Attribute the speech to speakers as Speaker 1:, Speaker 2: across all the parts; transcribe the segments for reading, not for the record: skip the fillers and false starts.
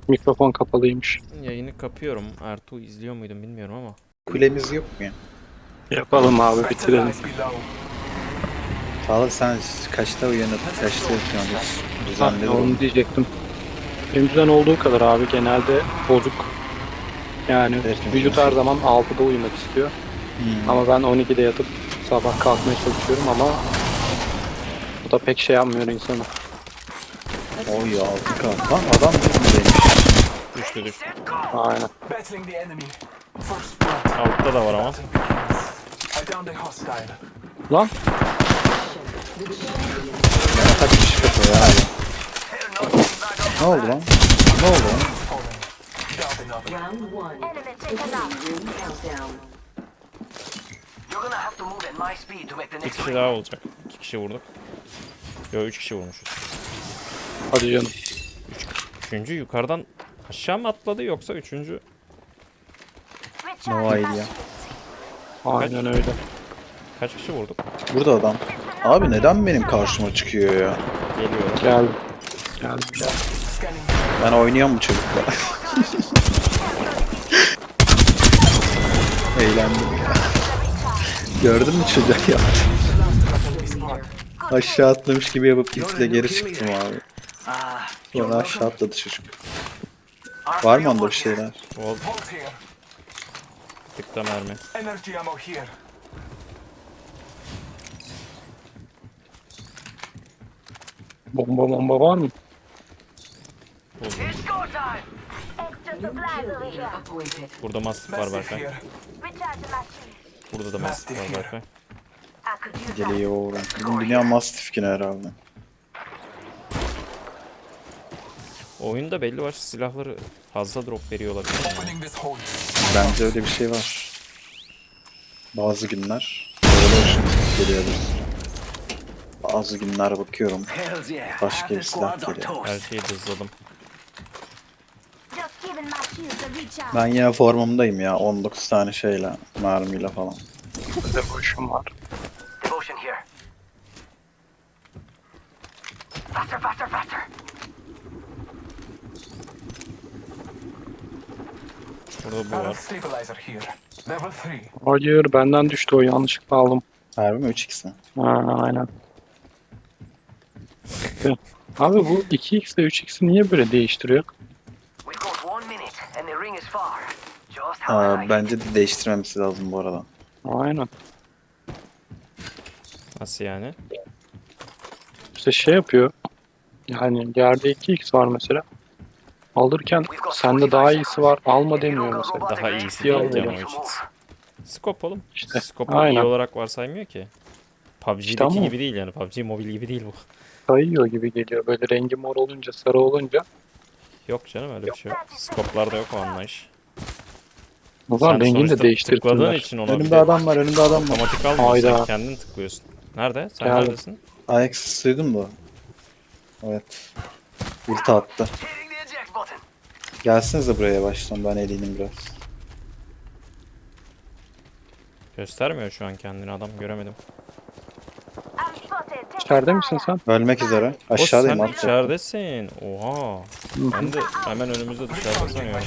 Speaker 1: Mikrofon kapalıymış.
Speaker 2: Yayını kapıyorum. Ertuğ izliyor muydum bilmiyorum ama.
Speaker 3: Kulemiz yok mu ya?
Speaker 1: Yapalım abi, bitirelim.
Speaker 3: Çağla sen kaçta uyanıp kaçta yatıyorsun? Hiç düzenli
Speaker 1: Onu
Speaker 3: durum.
Speaker 1: diyecektim. Benim düzen olduğu kadar abi, genelde bozuk. Yani
Speaker 3: Evet,
Speaker 1: vücut her zaman 6'da uyumak istiyor. Ama ben 12'de yatıp sabah kalkmaya çalışıyorum ama bu da pek şey yapmıyor insanı.
Speaker 3: Oy 6K. Lan adam buradaymış.
Speaker 2: Düştü düştü.
Speaker 1: Aynen.
Speaker 2: Altta da var ama.
Speaker 1: Lan
Speaker 3: Kaç kişi kapıyor ya? Ne oldu lan? Ne oldu lan?
Speaker 4: Round one. Room countdown.
Speaker 5: You're gonna have to move at my speed to make the
Speaker 2: Bir
Speaker 5: next
Speaker 2: kişi
Speaker 5: ring.
Speaker 2: daha olacak. 2 kişi vurduk. Yo 3 kişi vurmuşuz.
Speaker 1: hadi canım.
Speaker 2: Üçüncü yukarıdan aşağı mı atladı yoksa üçüncü?
Speaker 3: No idea.
Speaker 1: Aynen öyle.
Speaker 2: Kaç kişi vurduk?
Speaker 3: Burada adam. Abi neden benim karşıma çıkıyor ya?
Speaker 2: Geliyorum.
Speaker 1: Geldim. Geldim.
Speaker 3: Ben oynuyorum bu çocukla. Eğlendim ya. Gördün mü çocuk ya? Aşağı atlamış gibi yapıp gittikçe geri çıktım abi. Sonra aşağı atladı çocuk. Var mı onda bir şeyler?
Speaker 2: Volt. Tıkta mermi.
Speaker 6: Energy ammo here.
Speaker 1: Bomba var mı?
Speaker 2: Buldum.
Speaker 5: It's go time!
Speaker 4: New kill leader appointed.
Speaker 2: Burada Mastiff var
Speaker 6: Massive
Speaker 2: Berkay.
Speaker 6: here.
Speaker 2: Burada da Mastiff var Berkay.
Speaker 3: Geliyor. Bizim dünya Mastiff yine herhalde.
Speaker 2: Oyunda belli başlı silahları fazla drop veriyor olabilir.
Speaker 6: Opening this hole.
Speaker 3: Bence öyle bir şey var. Bazı günler Revolution geliyordur. Bazı günler bakıyorum
Speaker 5: Hells yeah.
Speaker 3: başka
Speaker 5: Half
Speaker 3: bir
Speaker 5: the
Speaker 3: silah
Speaker 5: squads are
Speaker 3: geliyor.
Speaker 2: Her
Speaker 5: toast.
Speaker 2: şeyi hızladım.
Speaker 3: Ben yine formumdayım ya 19 tane şeyle mermiyle falan.
Speaker 1: Bir de bu işim var.
Speaker 5: Devotion here. Faster, faster, faster!
Speaker 2: Burada bu
Speaker 6: Barrel
Speaker 2: var.
Speaker 6: stabilizer here. Level 3.
Speaker 1: Hayır, benden düştü o, yanlışlıkla aldım.
Speaker 3: Harbi mi 3x mi?
Speaker 1: Ha, aynen. Abi bu 2x ile 3x'i niye böyle değiştiriyor?
Speaker 5: We've got 1 minute and the ring is far. Just how I like it.
Speaker 3: Bence de değiştirmemesi lazım bu arada.
Speaker 1: Aynen.
Speaker 2: Nasıl yani?
Speaker 1: İşte şey yapıyor. Yani yerde 2x var mesela. Alırken sende daha iyisi var, alma demiyor mesela.
Speaker 2: Daha iyisi
Speaker 1: Ya,
Speaker 2: değil
Speaker 1: öyle.
Speaker 2: canım o için. Scope oğlum.
Speaker 1: İşte,
Speaker 2: Scope'u iyi
Speaker 1: aynen.
Speaker 2: olarak varsaymıyor ki. PUBG'deki
Speaker 1: İşte ama-
Speaker 2: gibi değil yani. PUBG mobil gibi değil bu.
Speaker 1: Kayıyor gibi geliyor. Böyle rengi mor olunca, sarı olunca.
Speaker 2: Yok canım öyle bir şey yok. Scope'larda yok o anlayış.
Speaker 1: O zaman
Speaker 2: Sen
Speaker 1: rengini de
Speaker 2: sonuçta tıkladığın
Speaker 1: değiştirdiler.
Speaker 2: için ona bir
Speaker 3: Önümde
Speaker 2: de
Speaker 3: adam var, önümde adam var.
Speaker 2: otomatik almıyor. Sen
Speaker 1: Hayda.
Speaker 2: kendin tıklıyorsun. Nerede? Sen
Speaker 1: Geldim.
Speaker 2: neredesin?
Speaker 3: Ajax duydun mu? Evet. Ulti attı.
Speaker 5: Hitting the eject button.
Speaker 3: Gelsenize buraya baştan, ben eleyim biraz.
Speaker 2: Göstermiyor şu an kendini adam göremedim.
Speaker 1: İçeride misin sen?
Speaker 3: Ölmek üzere.
Speaker 2: O
Speaker 3: Aşağıdayım
Speaker 2: sen
Speaker 3: abi.
Speaker 2: içeridesin. Oha. Ben de hemen önümüzde dışarıda sanıyorum.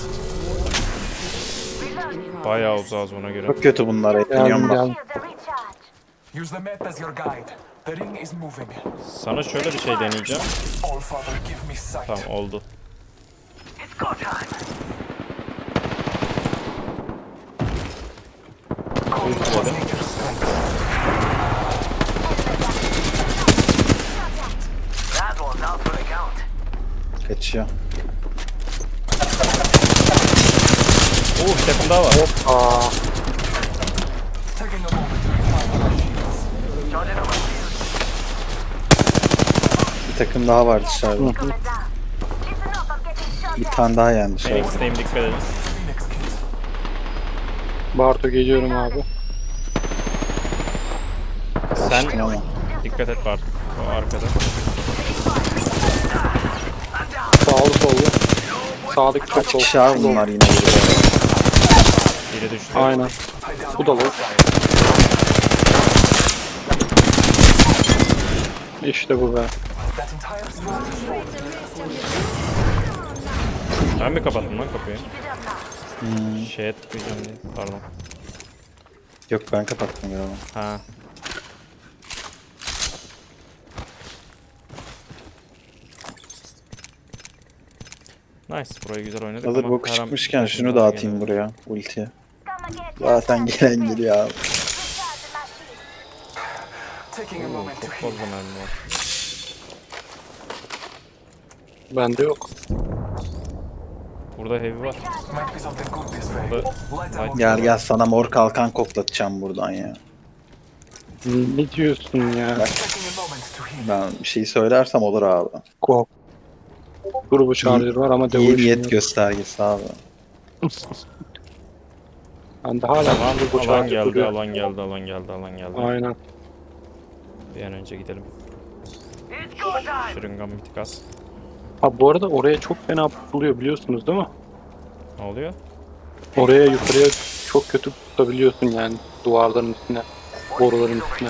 Speaker 2: Bayağı uzağız ona göre.
Speaker 3: Çok kötü bunlar.
Speaker 1: Geldim
Speaker 3: Eğleniyorum bak.
Speaker 1: geldim.
Speaker 6: Use the map as your guide. The ring is moving.
Speaker 2: Sana şöyle bir şey deneyeceğim.
Speaker 6: All Father, give me sight.
Speaker 2: Tamam oldu.
Speaker 5: It's go time.
Speaker 2: Ultiledim.
Speaker 5: That one's out for the count.
Speaker 3: Kaçıyor.
Speaker 2: Bir takım daha var.
Speaker 1: Aa,
Speaker 6: Taking a moment to refine my shields.
Speaker 5: Charging up my shields.
Speaker 3: Bir takım daha var dışarıda. Bir tane daha yani dışarıda.
Speaker 2: Phoenix'teyim dikkat edin.
Speaker 6: Phoenix kit.
Speaker 1: Barto geliyorum abi.
Speaker 2: Sen
Speaker 3: Kaçtım ama.
Speaker 2: dikkat et Bart. O arkada.
Speaker 1: Sağlı sollu. Sağdaki çok
Speaker 3: Kaç
Speaker 1: sol.
Speaker 3: kişi abi bunlar yine burada.
Speaker 2: Biri düştü.
Speaker 1: Aynen. Bu da low. İşte bu be.
Speaker 6: That entire squad is
Speaker 2: Ben mi kapattım lan kapıyı?
Speaker 4: Keep it up now.
Speaker 2: Şeye tıklayacağım diye. Pardon.
Speaker 3: Yok ben kapattım galiba.
Speaker 2: Ha. Nice. Burayı güzel oynadık
Speaker 3: Hazır
Speaker 2: ama
Speaker 3: boku
Speaker 2: her an
Speaker 3: çıkmışken
Speaker 2: birkaç
Speaker 3: şunu
Speaker 2: daha
Speaker 3: da atayım
Speaker 2: geliyor.
Speaker 3: buraya. Ultiye.
Speaker 4: Come and get your
Speaker 3: Zaten gelen geliyor abi.
Speaker 4: recharging my shield.
Speaker 6: Taking a
Speaker 2: Oo,
Speaker 6: moment to
Speaker 2: çok
Speaker 6: heal.
Speaker 2: fazla mermi var.
Speaker 1: Bende yok.
Speaker 2: Burada heavy var.
Speaker 6: Might be something good this way.
Speaker 2: Burada
Speaker 6: Light
Speaker 2: light
Speaker 6: ammo.
Speaker 3: Gel gel sana mor kalkan koklatacağım buradan ya.
Speaker 1: Ne diyorsun ya?
Speaker 6: Taking a moment to heal.
Speaker 3: Ben bir şey söylersem olur abi.
Speaker 1: Kork. Turbo charger var ama
Speaker 3: İyi
Speaker 1: devolution
Speaker 3: niyet
Speaker 1: yok.
Speaker 3: göstergesi abi.
Speaker 1: Bende hala
Speaker 2: Alan,
Speaker 1: turbo
Speaker 2: alan
Speaker 1: charger
Speaker 2: geldi,
Speaker 1: duruyor.
Speaker 2: alan geldi, alan geldi, alan geldi.
Speaker 1: Aynen.
Speaker 2: Bir an önce gidelim.
Speaker 5: It's go time.
Speaker 2: Şırıngan bir tık az.
Speaker 1: Ha bu arada oraya çok fena tutuluyor biliyorsunuz değil mi?
Speaker 2: Ne oluyor?
Speaker 1: Oraya yukarıya çok kötü tutabiliyorsun yani duvarların üstüne, boruların üstüne.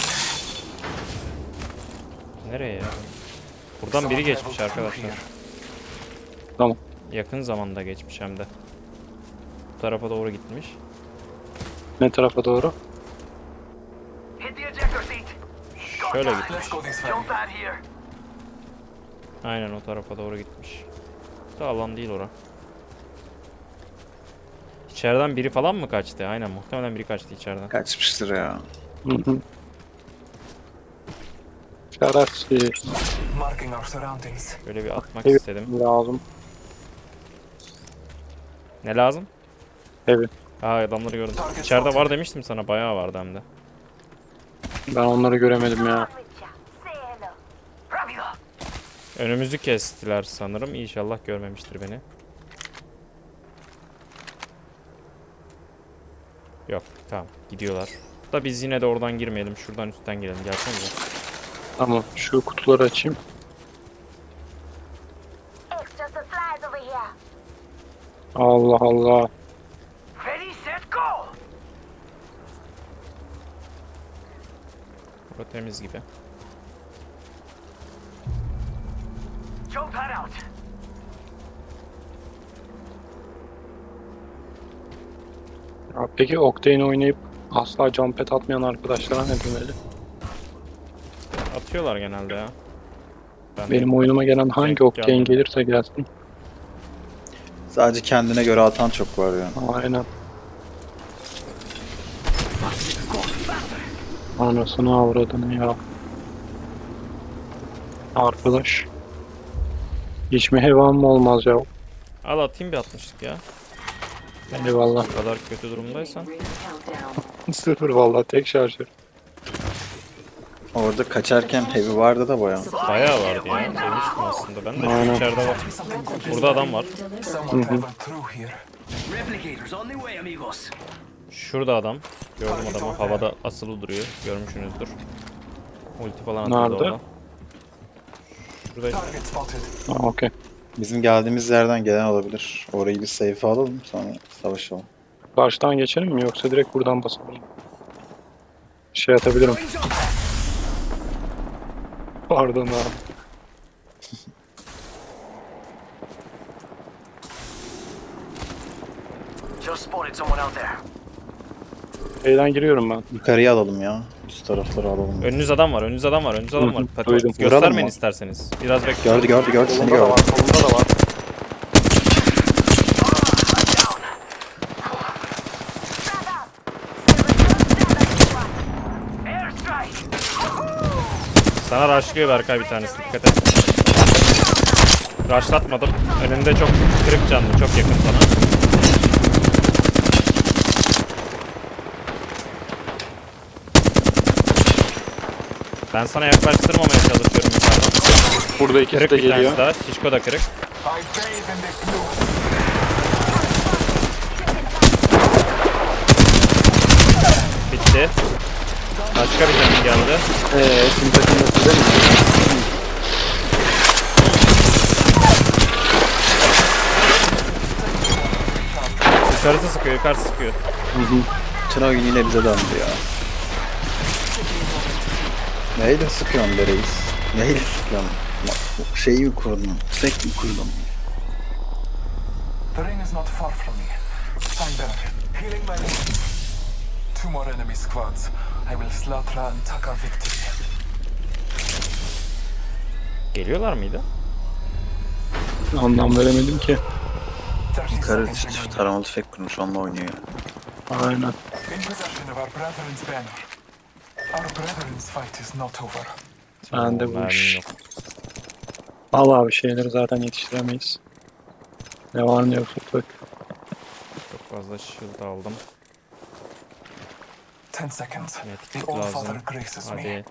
Speaker 2: Nereye ya? Buradan biri geçmiş arkadaşlar.
Speaker 1: Tamam.
Speaker 2: Yakın zamanda geçmiş hem de. Bu tarafa doğru gitmiş.
Speaker 1: Ne tarafa doğru?
Speaker 5: Hit the ejector seat.
Speaker 2: Şöyle gitmiş.
Speaker 6: Let's go this way.
Speaker 5: Jump out here.
Speaker 2: Aynen o tarafa doğru gitmiş. Da alan değil ora. İçeriden biri falan mı kaçtı? Aynen muhtemelen biri kaçtı içeriden.
Speaker 3: Kaçmıştır ya.
Speaker 1: Hı hı. Şerefsiz.
Speaker 6: Marking our surroundings.
Speaker 2: Böyle bir atmak
Speaker 1: Evet.
Speaker 2: istedim.
Speaker 1: Lazım.
Speaker 2: Ne lazım?
Speaker 1: Evet.
Speaker 2: Aa adamları gördüm. İçeride var demiştim sana, bayağı vardı hem de.
Speaker 1: Ben onları göremedim ya.
Speaker 4: With ya. Say hello.
Speaker 5: Rápido.
Speaker 2: Önümüzü kestiler sanırım. İnşallah görmemiştir beni. Yok tamam gidiyorlar. Da biz yine de oradan girmeyelim. Şuradan üstten girelim. Gelsenize.
Speaker 1: Tamam şu kutuları açayım.
Speaker 4: Extra supplies over here.
Speaker 1: Allah Allah.
Speaker 5: Ready, set, go.
Speaker 2: Burası temiz gibi.
Speaker 5: Jump pad out.
Speaker 1: Ya peki Octane oynayıp asla jump pad atmayan arkadaşlara ne demeli?
Speaker 2: Atıyorlar genelde ya. Ben
Speaker 1: Benim oyunuma gelen hangi
Speaker 2: Denk
Speaker 1: Octane
Speaker 2: gelmedi.
Speaker 1: gelirse gelsin.
Speaker 3: Sadece kendine göre atan çok var ya.
Speaker 1: Aynen. Anasını avradını ya. Arkadaş. Hiç mi hevan mı olmaz ya?
Speaker 2: Al atayım bir 60'lık ya.
Speaker 1: Eyvallah.
Speaker 2: Bu kadar kötü durumdaysan.
Speaker 4: Ring countdown.
Speaker 1: Sıfır vallahi tek şarjör.
Speaker 3: Orada kaçarken heavy vardı da baya.
Speaker 2: Bayağı vardı ya. Demiştim aslında. Ben de
Speaker 1: Aynen.
Speaker 2: şu içeride var.
Speaker 6: Something good this
Speaker 2: Burada adam var.
Speaker 6: Someone went through here.
Speaker 5: Replicators on the way, amigos.
Speaker 2: Şurada adam. Gördüm adamı. Havada asılı duruyor. Görmüşsünüzdür. Ulti falan atıyordu
Speaker 1: Nerede?
Speaker 2: orada. Şurada
Speaker 6: Target spotted.
Speaker 1: Ha, okey.
Speaker 3: Bizim geldiğimiz yerden gelen olabilir. Orayı bir safe alalım sonra savaşalım.
Speaker 1: Karşıdan geçelim mi yoksa direkt buradan basalım? Şey atabilirim. Pardon abi.
Speaker 5: Just spotted someone out there.
Speaker 1: Şeyden giriyorum ben.
Speaker 3: Yukarıya alalım ya. Üst tarafları alalım.
Speaker 2: önünüz adam var. Önünüz adam var. Önünüz adam var.
Speaker 1: Hı hı, duydum.
Speaker 3: Vuralım
Speaker 2: Göstermeyin
Speaker 3: mı?
Speaker 2: isterseniz. Biraz bekle.
Speaker 3: Gördü seni
Speaker 1: Solunda da var,
Speaker 3: gördü.
Speaker 1: solunda da var.
Speaker 5: Airstrike.
Speaker 2: Sana rushlıyor Berkay bir tanesi. Dikkat et. Rushlatmadım. Önünde çok kırık canlı. Çok yakın sana. Ben sana yaklaştırmamaya çalışıyorum yukarıdan.
Speaker 1: Burada ikisi
Speaker 2: Kırık
Speaker 1: de
Speaker 2: bir
Speaker 1: geliyor.
Speaker 2: tanesi daha. Şişko da kırık.
Speaker 6: I bathe in the blue.
Speaker 2: Bitti. Başka bir canım geldi.
Speaker 1: Şimdi takımda size mi?
Speaker 2: Yukarısı sıkıyor. Yukarısı sıkıyor.
Speaker 3: Bütün oyun yine bize döndü ya. Neyle sıkıyorsun be reis? Neyle sıkıyorsun? Şeyi mi kurdun? Tek mi kurdun?
Speaker 6: The ring is not far from me. I'm there, healing my wounds. 2 more enemy squads. I will slaughter and take our victory.
Speaker 2: Geliyorlar mıydı?
Speaker 1: Anlam veremedim ki.
Speaker 6: 30
Speaker 3: Yukarı
Speaker 6: seconds remaining.
Speaker 3: taramalı tüfek kurmuş onunla oynuyor ya.
Speaker 1: Aynen.
Speaker 6: In possession of our brethren's banner. Our brethren's fight is not over.
Speaker 1: Sen de bu
Speaker 2: Mermim
Speaker 1: iş.
Speaker 2: yok.
Speaker 1: Al abi şeyleri zaten yetiştiremeyiz. Ne var ne yok toprak.
Speaker 2: Çok fazla shield aldım.
Speaker 6: 10 seconds. The
Speaker 2: Medkit
Speaker 6: All
Speaker 2: lazım.
Speaker 6: Father graces me.
Speaker 2: Hadi.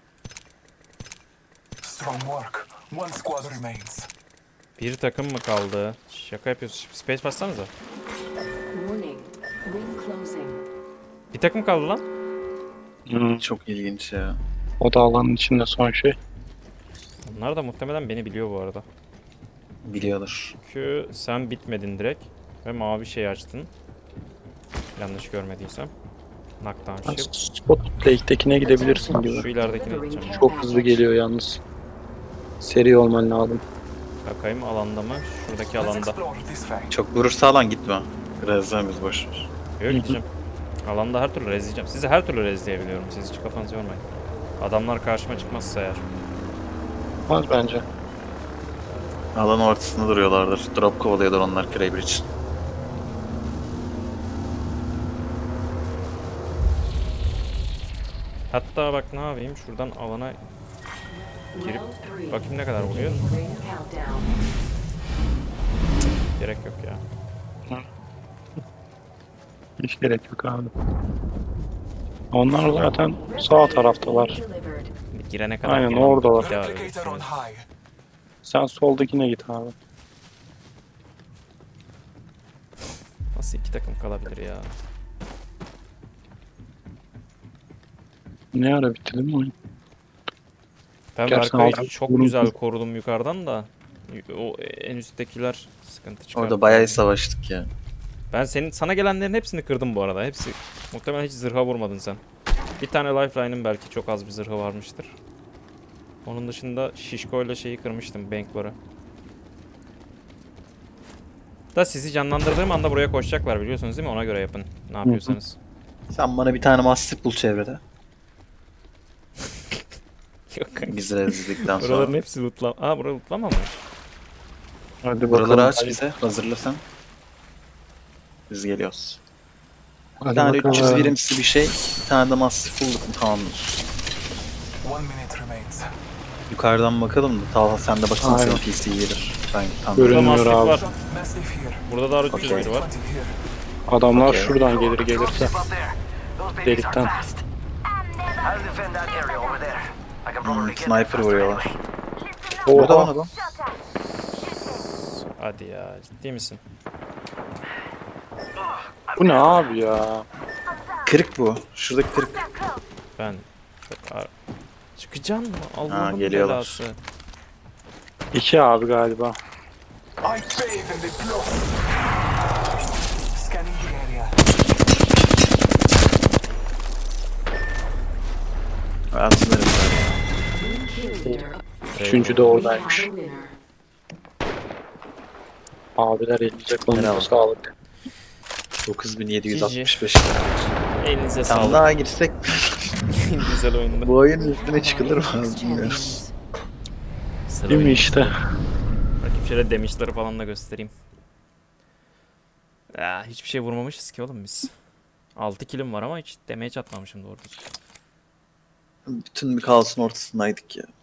Speaker 6: Strong work. 1 squad remains.
Speaker 2: Bir takım mı kaldı? Şaka yapıyorsun. Space bassanıza.
Speaker 4: Warning. Ring closing.
Speaker 2: Bir takım kaldı lan.
Speaker 3: Çok ilginç ya.
Speaker 1: O da alanın içinde son şey.
Speaker 2: Onlar da muhtemelen beni biliyor bu arada.
Speaker 3: Biliyorlar.
Speaker 2: Çünkü sen bitmedin direkt. Ve mavi şey açtın. Yanlış görmediysem. Knockdown shield.
Speaker 1: Spot Lake'dekine gidebilirsin
Speaker 2: Şu
Speaker 1: gibi.
Speaker 2: ileridekine gideceğim.
Speaker 1: Çok hızlı geliyor yalnız. Seri olman lazım.
Speaker 2: Bakayım alanda mı? Şuradaki
Speaker 6: Let's
Speaker 2: alanda.
Speaker 6: explore this way.
Speaker 3: Çok vurursa alan gitme. Birazdan biz boş ver.
Speaker 2: Yok gideceğim. Alanda her türlü rezleyeceğim. Sizi her türlü rezleyebiliyorum. Siz hiç kafanızı yormayın. Adamlar karşıma çıkmazsa eğer.
Speaker 1: Olmaz bence.
Speaker 3: Alan ortasında duruyorlardır. Drop kovalıyorlar onlar Kraber için.
Speaker 2: Hatta bak ne yapayım? Şuradan alana girip bakayım ne kadar vuruyor.
Speaker 4: Ring countdown.
Speaker 2: Gerek yok ya.
Speaker 1: Hiç gerek yok abi. Onlar zaten sağ taraftalar.
Speaker 4: Delivered.
Speaker 2: Bir girene kadar.
Speaker 1: Aynen,
Speaker 2: falan
Speaker 1: oradalar.
Speaker 2: devam
Speaker 6: Replicator on
Speaker 2: ediyorsunuz.
Speaker 6: high.
Speaker 1: Sen soldakine git abi.
Speaker 2: Nasıl iki takım kalabilir ya?
Speaker 1: Ne ara bitti değil mi oyun?
Speaker 2: Ben
Speaker 1: Gerçekten
Speaker 2: Berkay'ı
Speaker 1: aldım.
Speaker 2: çok
Speaker 1: Vurun.
Speaker 2: güzel korudum yukarıdan da. O en üsttekiler sıkıntı çıkardı.
Speaker 3: Orada bayağı savaştık ya.
Speaker 2: Ben sana gelenlerin hepsini kırdım bu arada. Hepsi. Muhtemelen hiç zırha vurmadın sen. Bir tane lifeline'ın belki çok az bir zırhı varmıştır. Onun dışında şişkoyla şeyi kırmıştım, bankları. Da sizi canlandırdığım anda buraya koşacaklar biliyorsunuz değil mi? Ona göre yapın. Ne yapıyorsanız.
Speaker 3: Sen bana bir tane mastif bul çevrede.
Speaker 2: Yok kanka.
Speaker 3: Bizi rezildikten sonra.
Speaker 2: Buraların hepsi lootlam. Aa bura lootlamamış.
Speaker 1: Hadi bakalım.
Speaker 3: Buraları aç bize. Hazırla sen. Biz geliyoruz. Bir
Speaker 1: Hadi
Speaker 3: tane
Speaker 1: bakalım.
Speaker 3: 300 birimsi bir şey. Bir tane de mastif bulduk mu tamamdır.
Speaker 6: 1 minute remains.
Speaker 3: Yukarıdan bakalım da. Talha sen de baksana
Speaker 1: Aynen.
Speaker 3: senin PC gelir. Ben tam
Speaker 1: Görünmüyor
Speaker 2: Burada mastif
Speaker 1: abi.
Speaker 2: var.
Speaker 6: Massive here.
Speaker 2: Burada da 300
Speaker 3: Okey.
Speaker 2: biri var.
Speaker 6: 20 here.
Speaker 1: Adamlar
Speaker 3: Okey.
Speaker 1: şuradan gelir gelirse.
Speaker 5: Dropship up there. Those babies
Speaker 1: Delikten.
Speaker 5: are fast. I'll defend that area over there. I can probably get there
Speaker 3: sniper
Speaker 5: faster
Speaker 3: vuruyorlar.
Speaker 5: anyway.
Speaker 3: Burada lan
Speaker 1: Oha.
Speaker 3: adam.
Speaker 2: Hadi ya ciddi misin?
Speaker 1: Bu ne abi ya?
Speaker 3: Kırık bu. Şuradaki kırık.
Speaker 2: Ben çok çıkacaksın mı? Allah'ın
Speaker 3: geliyorlar.
Speaker 2: belası.
Speaker 1: 2 abi galiba.
Speaker 6: I bathe in the blood. Scanning the area.
Speaker 3: Ben sınırım böyle.
Speaker 4: Ring kill leader.
Speaker 1: Üçüncü de
Speaker 4: We have
Speaker 1: oradaymış.
Speaker 4: a winner.
Speaker 1: Abiler elinize kolunuza
Speaker 3: Merhaba.
Speaker 1: sağlık.
Speaker 3: 9765.
Speaker 2: Elinize
Speaker 3: Tam
Speaker 2: sağlık.
Speaker 3: daha girsek
Speaker 2: En güzel oyunda.
Speaker 3: bu oyunun üstüne çıkılır mı?
Speaker 4: Champions.
Speaker 3: Bilmiyorum.
Speaker 2: Sıra
Speaker 1: Değil mi
Speaker 2: oyunu.
Speaker 1: işte?
Speaker 2: Bakayım şöyle damage'ları falan da göstereyim. Ya, hiçbir şey vurmamışız ki oğlum biz. 6 killim var ama hiç damage atmamışım doğru düzgün.
Speaker 3: Bütün bir kaosun ortasındaydık ya.